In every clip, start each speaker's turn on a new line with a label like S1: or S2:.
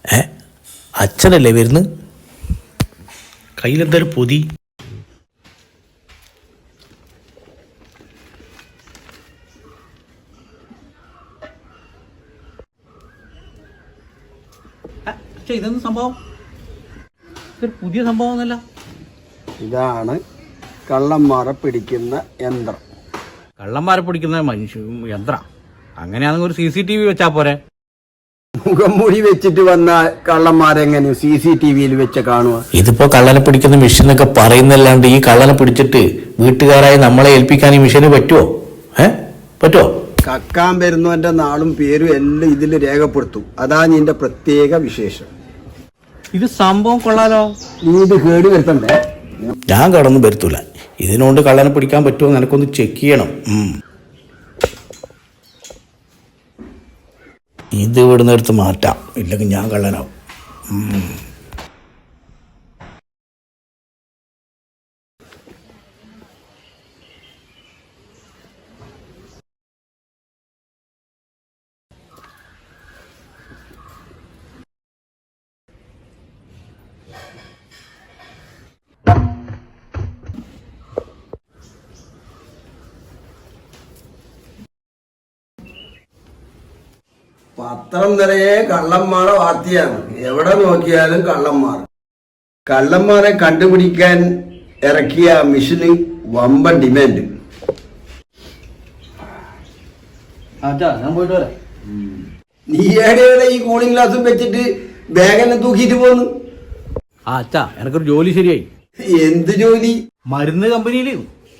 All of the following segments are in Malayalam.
S1: അച്ഛനല്ലേ വരുന്നു? കയ്യിലെന്തൊരു പൊതി.
S2: ഇതൊന്നും സംഭവം പുതിയ സംഭവം ഒന്നല്ല.
S3: ഇതാണ് കള്ളന്മാരെ പിടിക്കുന്ന യന്ത്രം.
S2: കള്ളന്മാരെ പിടിക്കുന്ന യന്ത്രം അങ്ങനെയാണെങ്കിൽ ഒരു CCTV വെച്ചാ പോരെ?
S3: മുഖംമൂടി വെച്ചിട്ട് വന്ന കള്ളന്മാരെങ്ങനെ CCTVയിൽ വെച്ച് കാണുക?
S1: ഇതിപ്പോ കള്ളനെ പിടിക്കുന്ന മെഷീൻ എന്നൊക്കെ പറയുന്നല്ലാണ്ട് ഈ കള്ളനെ പിടിച്ചിട്ട് വീട്ടുകാരായി നമ്മളെ ഏൽപ്പിക്കാൻ ഈ മെഷീന് പറ്റുമോ? പറ്റുമോ?
S3: കക്കാൻ വരുന്നവന്റെ നാളും പേരും എല്ലാം ഇതിൽ രേഖപ്പെടുത്തും. അതാണ് ഇതിന്റെ പ്രത്യേക വിശേഷം.
S2: ഇത് സംഭവം കൊള്ളാലോ.
S3: നീ ഇത് കേട് വരുത്തണ്ടേ?
S1: ഞാൻ കടന്നു വരുത്തൂല. ഇതിനോണ്ട് കള്ളനെ പിടിക്കാൻ പറ്റുമോ എനക്കൊന്ന് ചെക്ക് ചെയ്യണം. ഇത് ഇവിടുന്ന് എടുത്ത് മാറ്റാം, ഇല്ലെങ്കിൽ ഞാൻ കള്ളനാവും.
S3: പത്രം നിറയെ കള്ളന്മാരെ വാർത്തയാണ്. എവിടെ നോക്കിയാലും കള്ളന്മാർ. കള്ളന്മാരെ കണ്ടുപിടിക്കാൻ ഇറക്കിയ മിഷന് വമ്പൻ ഡിമാൻഡ്.
S2: ഞാൻ പോയിട്ട് വരാം.
S3: നീ എവിടെയാണ് ഈ കൂളിംഗ് ഗ്ലാസും വെച്ചിട്ട് ബാഗെല്ലാം തൂക്കിയിട്ട് പോന്നു?
S2: അച്ഛാ എനക്കൊരു ജോലി ശരിയായി.
S3: എന്ത് ജോലി?
S2: മരുന്ന് കമ്പനിയില്.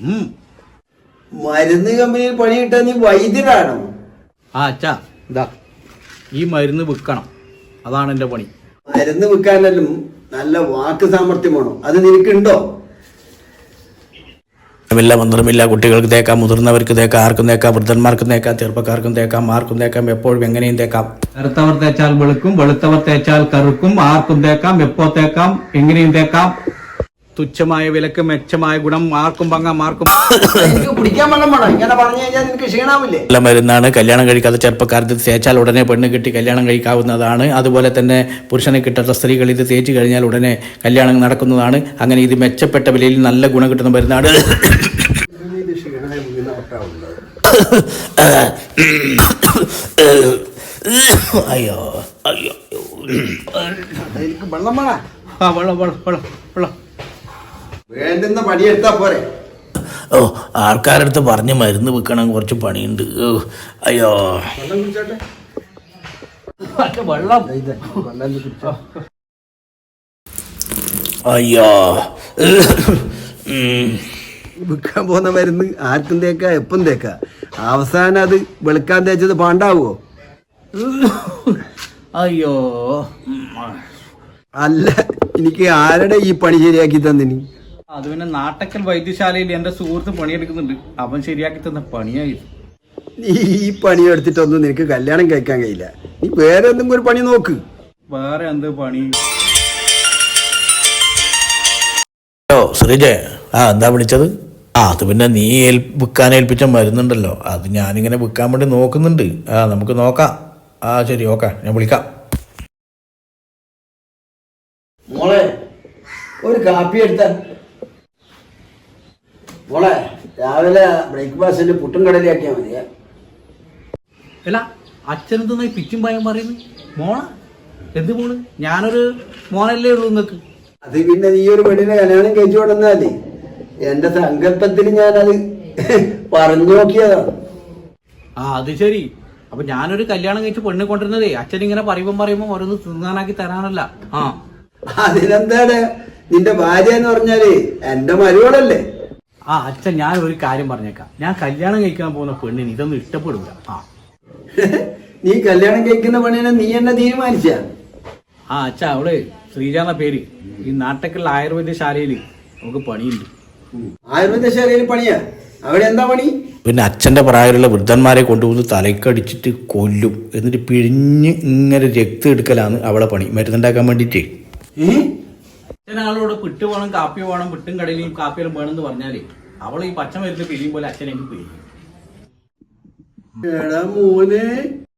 S3: മരുന്ന് കമ്പനിയിൽ പണി കിട്ടാൻ നീ വൈദ്യരാണോ?
S2: അച്ഛാ ഇതാ ഈ മരുന്ന് വിൽക്കണം, അതാണ് എന്റെ പണി.
S3: മരുന്ന് വിൽക്കാനെല്ലാം നല്ല വാക്ക് സാമർഥ്യം വേണം. അത് നിനക്കുണ്ടോ?
S1: മന്ത്രമില്ല. കുട്ടികൾക്ക് തേക്കാം, മുതിർന്നവർക്ക് തേക്കാം, ആർക്കും തേക്കാം, വൃദ്ധന്മാർക്കും തേക്കാം, ചെറുപ്പക്കാർക്കും തേക്കാം, ആർക്കും തേക്കാം, എപ്പോഴും എങ്ങനെയും തേക്കാം.
S2: കറുത്തവർ തേച്ചാൽ വെളുക്കും, വെളുത്തവർ തേച്ചാൽ കറുക്കും, ആർക്കും തേക്കാം, എപ്പോ തേക്കാം, എങ്ങനെയും തേക്കാം. തുച്ഛമായ വിലക്ക് മെച്ചമായ ഗുണം, ആർക്കും വാങ്ങാം, ആർക്കും.
S3: കുടിക്കാൻ വെള്ളം വേണം. ഇങ്ങനെ പറഞ്ഞു കഴിഞ്ഞാൽ നിനക്ക് ക്ഷീണാവില്ലേ?
S1: നല്ല മരുന്നാണ്. കല്യാണം കഴിക്കാത്ത ചെറുപ്പക്കാർക്ക് തേച്ചാൽ ഉടനെ പെണ്ണ് കിട്ടി കല്യാണം കഴിക്കാവുന്നതാണ്. അതുപോലെ തന്നെ പുരുഷനെ കിട്ടാത്ത സ്ത്രീകൾ ഇത് തേച്ച് കഴിഞ്ഞാൽ ഉടനെ കല്യാണം നടക്കുന്നതാണ്. അങ്ങനെ ഇത് മെച്ചപ്പെട്ട വിലയിൽ നല്ല ഗുണം കിട്ടുന്ന മരുന്നാണ്. അയ്യോ അയ്യോ,
S3: വെള്ളം വേണം.
S2: വെള്ളം വെള്ളം വെള്ളം വെള്ളം
S3: വേണ്ടുന്ന പണിയെടുത്താ പോരെ.
S1: ആൾക്കാരടുത്ത് പറഞ്ഞ് മരുന്ന് വെക്കണം, കുറച്ച് പണിയുണ്ട്. അയ്യോ
S2: വെള്ളം
S1: അയ്യോ.
S3: വിൽക്കാൻ പോകുന്ന മരുന്ന് ആർക്കും തേക്ക, എപ്പം തേക്ക. അവസാനം അത് വെളുക്കാൻ തേച്ചത് പാണ്ടാവോ?
S2: അയ്യോ.
S3: അല്ല, എനിക്ക് ആരുടെ ഈ പണി ശരിയാക്കി തന്നിനി?
S2: അത് പിന്നെ നാട്ടക്കൽ വൈദ്യശാലയിൽ എന്റെ സുഹൃത്ത് പണിയെടുക്കുന്നുണ്ട്, അവൻ ശരിയാക്കി തന്ന പണിയായി.
S3: നീ ഈ പണി എടുത്തിട്ടൊന്നും നിനക്ക് കല്യാണം കഴിക്കാൻ കഴിയില്ല. നീ വേറെ എന്തെങ്കിലും ഒരു പണി നോക്ക്.
S2: വേറെ എന്ത് പണി?
S1: ശ്രീജയ, എന്താ വിളിച്ചത്? അത് പിന്നെ നീ വിൽക്കാൻ ഏൽപ്പിച്ച മരുന്നുണ്ടല്ലോ, അത് ഞാനിങ്ങനെ വിൽക്കാൻ വേണ്ടി നോക്കുന്നുണ്ട്. നമുക്ക് നോക്കാം. ശരി, ഓക്കെ, ഞാൻ വിളിക്കാം.
S3: മോളെ ഒരു കാപ്പി എടുത്ത. മോളെ രാവിലെ ബ്രേക്ക്ഫാസ്റ്റിന് പുട്ടും കടലയാക്കിയാൽ മതിയാ.
S2: അല്ല അച്ഛനെന്തെന്നാ പിച്ചും ഭയം പറയുന്നു? മോള എന്ത് മോള്? ഞാനൊരു മോനല്ലേ ഉള്ളൂ നിങ്ങൾക്ക്.
S3: അത് പിന്നെ നീ ഒരു പെണ്ണിനെ കല്യാണം കഴിച്ചു കൊടുന്നാലേ എന്റെ സങ്കല്പത്തിൽ ഞാനത് പറഞ്ഞു നോക്കിയതാണ്.
S2: അത് ശരി. അപ്പൊ ഞാനൊരു കല്യാണം കഴിച്ച് പെണ്ണ് കൊണ്ടിരുന്നതേ അച്ഛൻ ഇങ്ങനെ പറയുമ്പോ ഓരോന്ന് തിന്നാനാക്കി തരാനല്ല.
S3: അതിനെന്താണ്? നിന്റെ ഭാര്യ എന്ന് പറഞ്ഞാല് എന്റെ മരുവളല്ലേ?
S2: അച്ഛൻ ഞാൻ ഒരു കാര്യം പറഞ്ഞേക്കാം, ഞാൻ കല്യാണം കഴിക്കാൻ പോകുന്ന പെണ്ണിന് ഇതൊന്നും ഇഷ്ടപ്പെടില്ല.
S3: നീ കല്യാണം കഴിക്കുന്ന പെണ്ണിനെ നീ എന്നെ തീരുമാനിച്ച?
S2: അച്ഛാ അവള് ശ്രീജ എന്ന പേര്. ഈ നാട്ടക്കുള്ള ആയുർവേദശാലയില് നമുക്ക് പണിയുണ്ട്.
S3: ആയുർവേദശാലയിൽ പണിയാ? അവിടെ എന്താ പണി?
S1: പിന്നെ അച്ഛൻ്റെ പ്രായമുള്ള വൃദ്ധന്മാരെ കൊണ്ടുപോകുന്ന തലക്കടിച്ചിട്ട് കൊല്ലും, എന്നിട്ട് പിഴിഞ്ഞ് ഇങ്ങനെ രക്തം എടുക്കലാണ് അവളെ പണി, മരുന്നുണ്ടാക്കാൻ വേണ്ടിയിട്ട്.
S2: അച്ഛനാളോട് പിട്ട് വേണം, കാപ്പി വേണം, പിട്ടും കടയിലും കാപ്പിയിലും വേണമെന്ന് പറഞ്ഞാലേ അവൾ ഈ പച്ച മരുന്ന് പിരിയും പോലെ അച്ഛനെനിക്ക് പിരിയും.
S3: മോനെ